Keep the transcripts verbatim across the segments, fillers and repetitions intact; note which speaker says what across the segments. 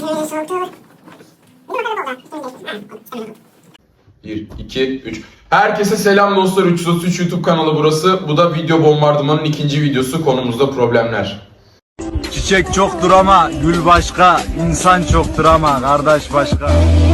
Speaker 1: bir, iki, üç. Herkese selam dostlar. üç yüz otuz üç YouTube kanalı burası. Bu da video bombardımanın ikinci videosu. Konumuzda problemler.
Speaker 2: Çiçek çoktur ama gül başka, insan çoktur ama kardeş başka.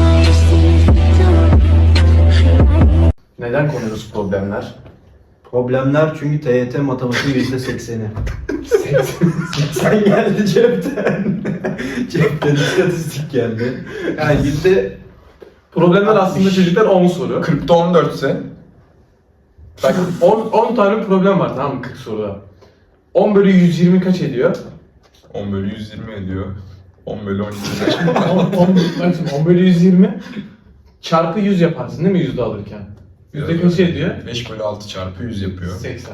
Speaker 3: Neden konuyoruz problemler?
Speaker 4: Problemler çünkü T Y T matematiği yüzde sekseni. seksen geldi cepten. Cepten istatistik geldi. Yani yüzde
Speaker 3: Problemler aslında çocuklar on soru.
Speaker 1: kırkta on dört ise
Speaker 3: Bak on tane problem var, tamam mı, kırk soruda. on bölü yüz yirmi kaç ediyor?
Speaker 1: on bölü yüz yirmi ediyor. on bölü on yirmi.
Speaker 3: on bölü yüz yirmi çarpı yüz yaparsın değil mi yüzde alırken? Yüzde kaç ediyor?
Speaker 1: beş bölü altı çarpı yüz yapıyor.
Speaker 3: seksen.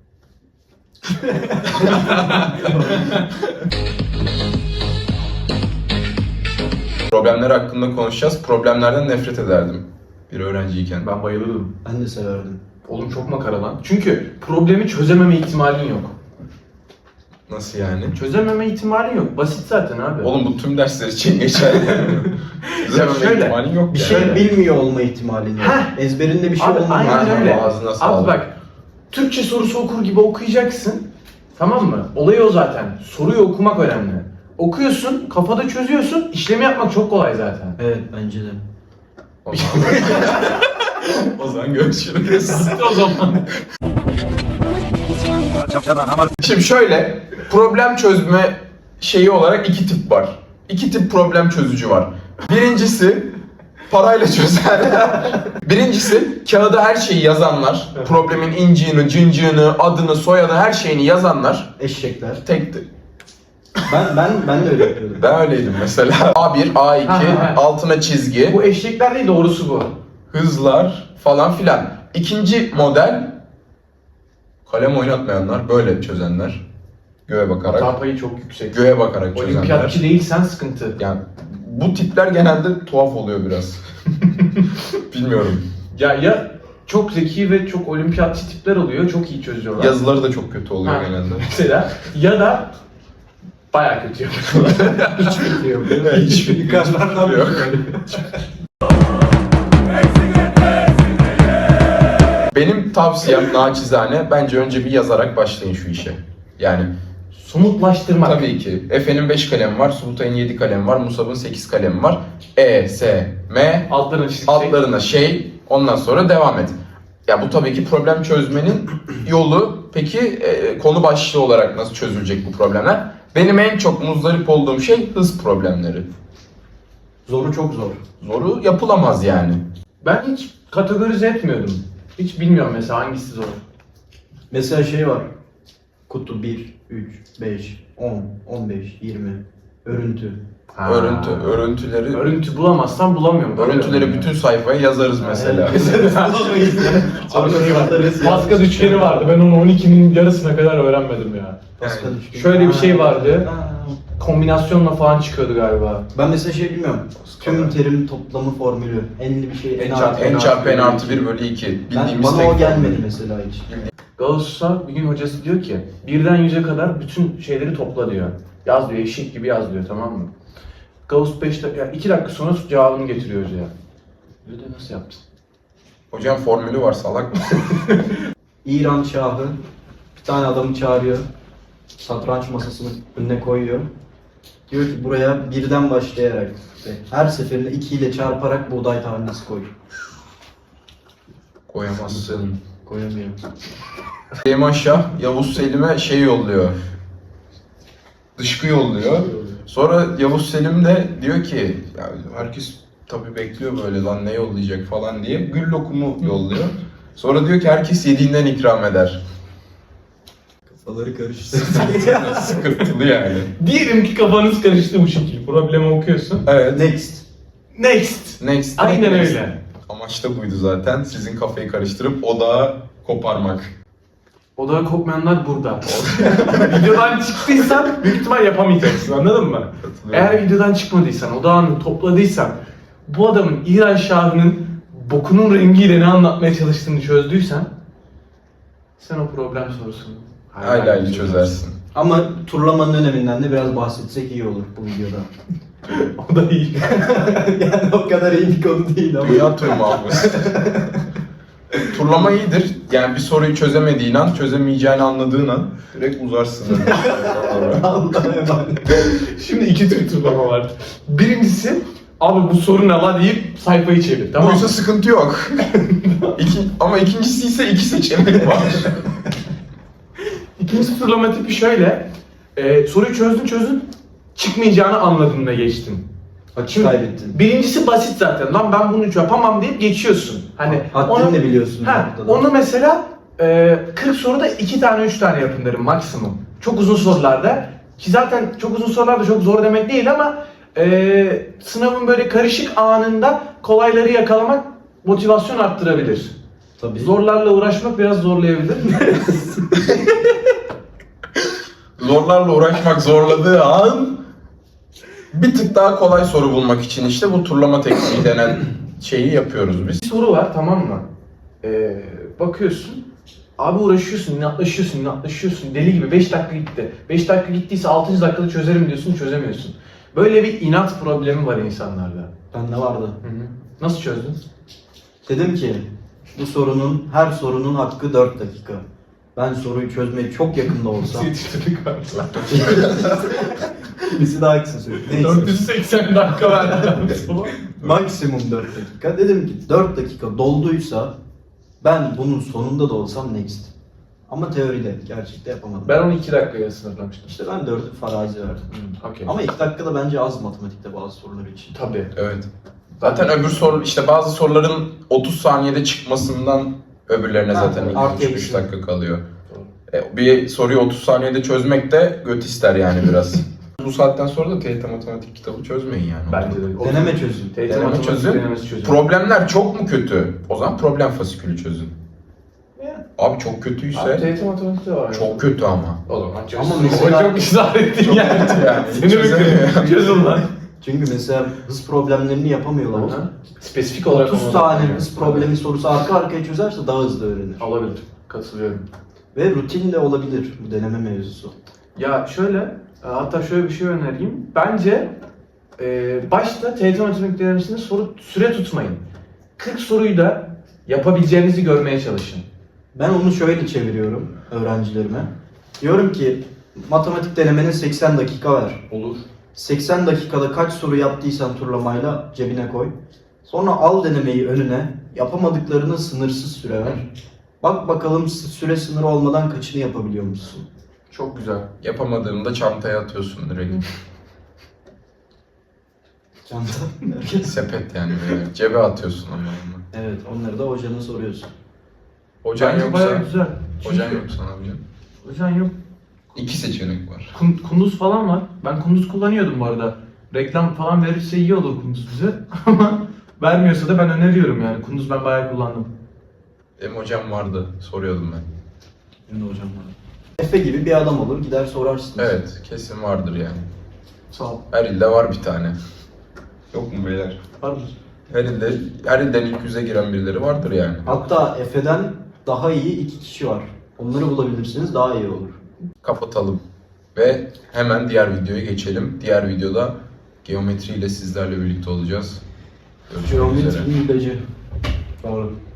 Speaker 1: Problemler hakkında konuşacağız. Problemlerden nefret ederdim bir öğrenciyken.
Speaker 3: Ben bayılırdım.
Speaker 4: ben de severdim.
Speaker 3: Oğlum çok makara lan. Çünkü problemi çözememe ihtimalin yok.
Speaker 1: Nasıl yani?
Speaker 3: Çözememe ihtimalin yok. Basit zaten abi.
Speaker 1: Oğlum bu tüm dersler için geçerli. Çözememe
Speaker 3: şöyle,
Speaker 1: ihtimalin yok
Speaker 4: Bir
Speaker 1: yani.
Speaker 4: şey
Speaker 3: Şöyle.
Speaker 4: bilmiyor olma ihtimalin yok.
Speaker 3: Heh.
Speaker 4: Ezberinde bir şey
Speaker 3: Abi,
Speaker 4: olmama
Speaker 3: aynen
Speaker 4: ihtimali
Speaker 3: öyle.
Speaker 4: var.
Speaker 1: Ağzına sağlık.
Speaker 3: Abi bak, Türkçe sorusu okur gibi okuyacaksın. Tamam mı? Olayı o zaten. Soruyu okumak önemli. Okuyorsun, kafada çözüyorsun, işlemi yapmak çok kolay zaten.
Speaker 4: Evet bence de.
Speaker 1: O zaman, o zaman görüşürüz.
Speaker 3: o zaman.
Speaker 1: Şimdi şöyle, problem çözme şeyi olarak iki tip var. İki tip problem çözücü var. Birincisi parayla çözenler. Birincisi kağıda her şeyi yazanlar. Problemin inciğini, cıncığını, adını, soyadını, her şeyini yazanlar.
Speaker 4: Eşekler.
Speaker 1: Tek
Speaker 4: Ben ben ben de öyle yapıyordum.
Speaker 1: ben öyleydim mesela. A bir, A iki,
Speaker 3: Ha, ha, ha.
Speaker 1: altına çizgi,
Speaker 3: Bu eşekler değil, doğrusu bu.
Speaker 1: hızlar falan filan. İkinci model kalem oynatmayanlar, böyle çözenler. Göğe bakarak.
Speaker 3: Hata payı çok yüksek.
Speaker 1: Göğe bakarak çözenler.
Speaker 3: Olimpiyatçı değilsen sıkıntı.
Speaker 1: Yani bu tipler genelde tuhaf oluyor biraz. Bilmiyorum.
Speaker 3: Ya ya çok zeki ve çok olimpiyatçı tipler oluyor, çok iyi çözüyorlar.
Speaker 1: Yazıları da çok kötü oluyor
Speaker 3: Ha.
Speaker 1: genelde.
Speaker 3: Mesela ya da bayağı kötü yapıyorlar. Hiç kötü yapıyor.
Speaker 1: Hiçbir
Speaker 4: Yukarıdan
Speaker 1: yok. Benim tavsiyem naçizane, bence önce bir yazarak başlayın şu işe. Yani
Speaker 3: Somutlaştırmak.
Speaker 1: tabii ki Efe'nin beş kalemi var, Sultan'ın yedi kalemi var, Musab'ın sekiz kalemi var. E, S, M,
Speaker 3: Altlarına çizecek.
Speaker 1: altlarına şey, ondan sonra devam et. Ya bu tabii ki problem çözmenin yolu. Peki e, konu başlığı olarak nasıl çözülecek bu problemler? Benim en çok muzdarip olduğum şey hız problemleri.
Speaker 4: Zoru çok zor.
Speaker 1: Zoru yapılamaz yani.
Speaker 3: Ben hiç kategorize etmiyordum. Hiç bilmiyorum mesela hangisi zor.
Speaker 4: Mesela şey var. Kutu bir, üç, beş, on, on beş, yirmi. Örüntü.
Speaker 3: Ha.
Speaker 1: Örüntü, örüntüleri,
Speaker 3: Örüntü bulamazsam bulamıyorum.
Speaker 1: örüntüleri bütün sayfaya yazarız mesela.
Speaker 3: Abi şey var. Pascal üçgeni vardı. Ben onu on ikinin yarısına kadar öğrenmedim ya.
Speaker 4: Pascal üçgeni.
Speaker 3: Şöyle bir şey vardı.
Speaker 4: Ha.
Speaker 3: Kombinasyonla falan çıkıyordu galiba.
Speaker 4: Ben mesela şey bilmiyorum. Tüm terim toplamı formülü. Enli bir şey.
Speaker 3: En
Speaker 4: En
Speaker 3: çarpı
Speaker 1: En çarpı n artı bir bölü iki.
Speaker 4: Ben,
Speaker 1: Bildiğimiz
Speaker 4: bana
Speaker 1: tek
Speaker 4: o gelmedi
Speaker 1: formül.
Speaker 4: mesela hiç.
Speaker 3: Gauss'a bir gün hocası diyor ki birden yüze kadar bütün şeyleri topla diyor. Yaz diyor, eşek gibi yaz diyor, tamam mı? Gauss beş dakika, yani iki dakika sonra cevabını getiriyor hocaya. Diyor da nasıl yaptın?
Speaker 1: Hocam formülü var, salak mısın?
Speaker 4: İran Şahı bir tane adamı çağırıyor. Satranç masasının önüne koyuyor. Diyor ki buraya birden başlayarak işte her seferinde iki ile çarparak buğday tanesi koy.
Speaker 1: Koyamazsın.
Speaker 4: Koyamıyor.
Speaker 1: Süleyman Şah, Yavuz Selim'e şey yolluyor. Dışkı yolluyor. Sonra Yavuz Selim de diyor ki, ya herkes tabii bekliyor böyle lan ne yollayacak falan diye. Gül lokumu yolluyor. Sonra diyor ki herkes yediğinden ikram eder.
Speaker 4: Kafaları karıştı.
Speaker 1: Sıkıntılı yani.
Speaker 3: Diyelim ki kafanız karıştı bu şekilde. Problemi okuyorsun.
Speaker 1: Evet.
Speaker 4: Next.
Speaker 3: Next.
Speaker 1: Next.
Speaker 3: Aynen
Speaker 1: next.
Speaker 3: öyle.
Speaker 1: Amaç da buydu zaten. Sizin kafayı karıştırıp odağı koparmak.
Speaker 3: Odağa kopmayanlar burada. Videodan çıktıysan büyük ihtimal yapamayacaksın, anladın mı? Eğer videodan çıkmadıysan, odağını topladıysan, bu adamın İran Şahı'nın bokunun rengiyle ne anlatmaya çalıştığını çözdüysen sen o problem sorusunu
Speaker 1: Hayli hayli çözersin.
Speaker 4: Ama turlamanın öneminden de biraz bahsetsek iyi olur bu videoda.
Speaker 3: O da iyi.
Speaker 4: Yani o kadar iyi bir konu değil ama.
Speaker 1: Dünya turu mu abi? Turlama iyidir. Yani bir soruyu çözemediğin an, çözemeyeceğini anladığın an direkt uzarsın.
Speaker 4: Allah'a emanet.
Speaker 3: Şimdi iki tür turlama var. Birincisi, abi bu soru ne lan deyip sayfayı çevir. Tamam mı?
Speaker 1: Buysa sıkıntı yok. İki, ama ikincisi ise iki seçenek var.
Speaker 3: İkinci turlama tipi şöyle. E, soruyu çözdün çözdün, çıkmayacağını anladın ve geçtin.
Speaker 4: Açı kaybettin.
Speaker 3: Birincisi basit zaten. Lan ben bunu yapamam deyip geçiyorsun. Hani
Speaker 4: Haddini de biliyorsun.
Speaker 3: Ha,
Speaker 4: bu noktada.
Speaker 3: onu mesela e, kırk soruda iki tane üç tane yapın derim maksimum. Çok uzun sorularda. Ki zaten çok uzun sorularda çok zor demek değil ama e, sınavın böyle karışık anında kolayları yakalamak motivasyon arttırabilir.
Speaker 4: Tabii.
Speaker 3: Zorlarla uğraşmak biraz zorlayabilir.
Speaker 1: Zorlarla uğraşmak zorladığı an bir tık daha kolay soru bulmak için işte bu turlama tekniği denen şeyi yapıyoruz biz.
Speaker 3: Bir soru var, tamam mı? Ee, bakıyorsun, abi uğraşıyorsun, inatlaşıyorsun, inatlaşıyorsun, deli gibi beş dakika gitti. beş dakika gittiyse altıncı dakikada çözerim diyorsun, çözemiyorsun. Böyle bir inat problemi var insanlarda.
Speaker 4: Bende vardı.
Speaker 3: Hı hı. Nasıl çözdün?
Speaker 4: Dedim ki bu sorunun, her sorunun hakkı dört dakika. Ben soruyu çözmeye çok yakında olsam.
Speaker 3: Yetiştirdik var.
Speaker 4: Birisi daha kısa söyledi. Neyse.
Speaker 3: dört yüz seksen dakika verdi.
Speaker 4: Maksimum dört dakika. Dedim ki dört dakika dolduysa ben bunun sonunda da olsam next. Ama teoride, gerçekte yapamadım.
Speaker 3: Ben onu iki dakikaya sınırlamıştım.
Speaker 4: İşte ben dördü farazi verdim.
Speaker 3: Hı, okey.
Speaker 4: Ama iki dakikada bence az matematikte bazı sorular için.
Speaker 3: Tabii.
Speaker 1: Evet. Zaten öbür soru işte bazı soruların otuz saniyede çıkmasından öbürlerine
Speaker 4: Ha,
Speaker 1: zaten
Speaker 4: artı
Speaker 1: iki üç
Speaker 4: eksi.
Speaker 1: dakika kalıyor. E, bir soruyu otuz saniyede çözmek de göt ister yani biraz. Bu saatten sonra da T Y T matematik kitabı çözmeyin yani.
Speaker 3: Bence de.
Speaker 4: Deneme çözün.
Speaker 3: T Y T
Speaker 1: Deneme
Speaker 3: matematik
Speaker 1: çözün.
Speaker 3: denemesi çözün.
Speaker 1: Problemler çok mu kötü? O zaman problem fasikülü çözün.
Speaker 3: Ya.
Speaker 1: Abi çok
Speaker 3: Abi
Speaker 1: kötüyse
Speaker 3: T Y T matematikte var.
Speaker 1: çok kötü ama.
Speaker 3: O zaman çözün.
Speaker 4: Ama
Speaker 3: Ama
Speaker 4: mesela-
Speaker 3: çok ısrar ettin yani.
Speaker 1: yani.
Speaker 3: Seni bekliyorum. Çözün lan.
Speaker 4: Çünkü mesela hız problemlerini yapamıyorlar.
Speaker 3: Aha. Spesifik olarak
Speaker 4: otuz
Speaker 3: onu
Speaker 4: tane
Speaker 3: anlatıyor.
Speaker 4: hız problemi sorusu arka arkaya çözerse daha hızlı öğrenir.
Speaker 3: Olabilir. Katılıyorum.
Speaker 4: Ve rutin de olabilir bu deneme mevzusu.
Speaker 3: Ya şöyle, e, hatta şöyle bir şey önereyim. Bence e, başta T Y T matematik denemesinde soru süre tutmayın. kırk soruyu da yapabileceğinizi görmeye çalışın.
Speaker 4: Ben onu şöyle çeviriyorum öğrencilerime. Diyorum ki matematik denemenin seksen dakika ver.
Speaker 3: Olur.
Speaker 4: seksen dakikada kaç soru yaptıysan turlamayla cebine koy. Sonra al denemeyi önüne, yapamadıklarını sınırsız süre ver. Bak bakalım süre sınırı olmadan kaçını yapabiliyor musun?
Speaker 3: Çok güzel.
Speaker 1: Yapamadığında çantaya atıyorsun direkt.
Speaker 4: Çanta.
Speaker 1: Sepet yani böyle. Cebe atıyorsun ama onu.
Speaker 4: Evet, onları da hocana soruyorsun.
Speaker 1: Hocan
Speaker 3: Bence
Speaker 1: yoksa,
Speaker 3: bayağı güzel.
Speaker 1: hocan
Speaker 3: Çünkü-
Speaker 1: yoksa ne yapacaksın?
Speaker 3: Hocan yok.
Speaker 1: İki seçenek var.
Speaker 3: Kun- Kunduz falan var. Ben Kunduz kullanıyordum bu arada. Reklam falan verirse iyi olur Kunduz bize. Ama vermiyorsa da ben öneriyorum yani. Kunduz ben bayağı kullandım.
Speaker 1: Benim hocam vardı, soruyordum ben.
Speaker 4: Benim de hocam var. Efe gibi bir adam olur, gider sorarsınız.
Speaker 1: Evet, kesin vardır yani.
Speaker 3: Sağ ol.
Speaker 1: Her ilde var bir tane. Yok mu beyler?
Speaker 3: Var mı?
Speaker 1: Her ilde, her ilden ilk yüze giren birileri vardır yani.
Speaker 4: Hatta Efe'den daha iyi iki kişi var. Onları bulabilirsiniz, daha iyi olur.
Speaker 1: Kapatalım. Ve hemen diğer videoya geçelim. Diğer videoda geometri ile sizlerle birlikte olacağız. Görüşmek üzere.
Speaker 4: Geometri hileci. Doğru.